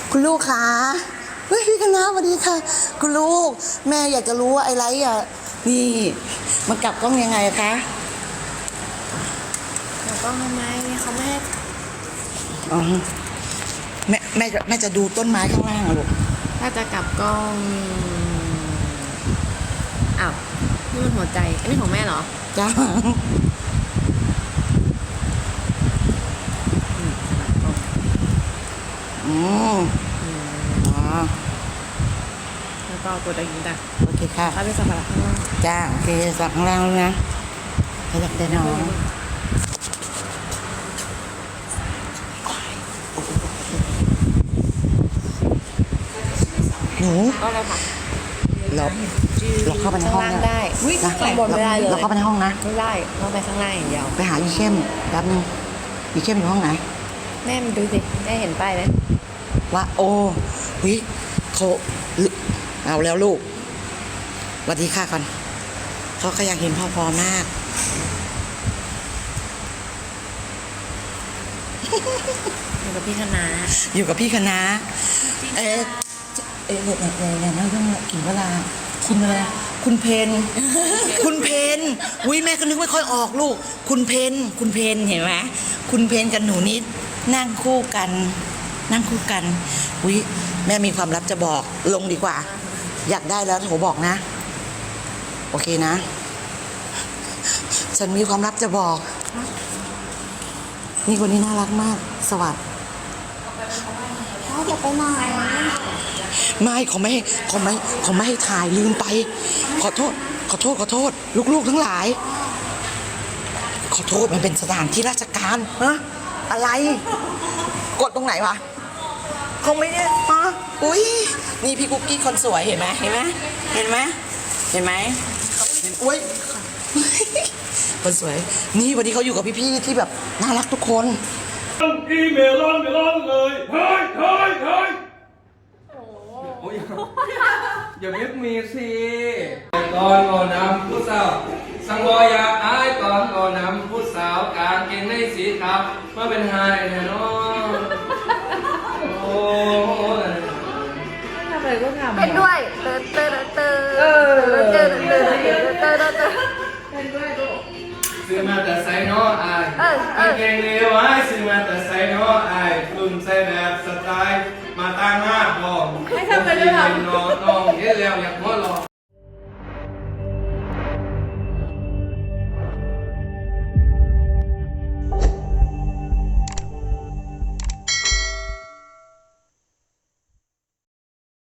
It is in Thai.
คุณลูกคะเฮ้ยพี่คณะสวัสดีค่ะคุณลูกแม่อยากจะรู้ว่าไอ้ไรอ่ะนี่มันกลับกล้องยังไงคะกลับกล้องทำไมเขาไม่ให้อ๋อแม่จะดูต้นไม้ข้างล่างอะลูกถ้าจะกลับกล้องอ้าวนี่มันหัวใจอันนี้ของแม่เหรอจ้าอืมอ๋อแล้วก็กดอะไรอย่างนี้จ้ะโอเคค่ะเขาไปสัมผัสข้างล่างจ้าโอเคสักข้างล่างแล้วนะขยับได้น้องหนูก็เลยค่ะเราเข้าไปในห้องข้างล่างเนี่ยได้อุ๊ยนะข้างบนไม่ได้เลยเราเข้าไปในห้องนะไม่ได้ต้องไปข้างล่างอย่างเดียวไปหาอีเข้มแป๊บนึงอีเข้มอยู่ห้องไหนแม่มันดูสิแม่เห็นป้ายไหมว่าโอ้วิเขาเอาแล้วลูกสวัสดีค่ะก่อนเขาก็อยากเห็นพ่อพอมากอยู่กับพี่คณะอยู่กับพี่คณะเนี่ยนั่งเรื่องกินเวลาคุณอะไรคุณเพนคุณเพนอุ้ยแม่ก็นึกไม่ค่อยออกลูกคุณเพนเห็นไหมคุณเพนกับหนูนิดนั่งคู่กันอุ้ยแม่มีความลับจะบอกลงดีกว่า อยากได้แล้วโทรบอกนะโอเคนะ ฉันมีความลับจะบอก นี่คนนี้น่ารักมากสวัสดีพ่อจะไปไหนไม่เขาไม่ให้ถ่ายลืมไป ขอโทษลูกๆทั้งหลาย ขอโทษมันเป็นสถานที่ราชการฮะอะไร กดตรงไหนวะเขาไม่ได้ฮะอุ้ยนี่พี่กุ๊กกี้คนสวยเห็นไหมอุ้ยคนสวยนี่วันนี้เขาอยู่กับพี่ๆที่แบบน่ารักทุกคนอีเมลอนเลยเฮ้ยโอ้ยอย่าเรียกมีสิก่อนก่อนนำผู้สาวสังวรอยากอายก่อนก่อนนำผู้สาวกางเกงในสีขาวมาเป็นไฮแน่นอนโอ้โหทำอะไรก็ทำเป็นด้วยเติร์ดเติร์ดเติร์ดเติร์ดเติร์ดเติร์ดเติร์ดเติร์ดซื้อมาแต่ใส่น้ออายกางเกงเลวไว้ซื้อมาแต่ใส่น้ออายรุ่นใส่แบบสไตล์มาตั้งมากบอกไม่ทำเลยด้วยน้องเห็นแล้วอยากหัวหลอก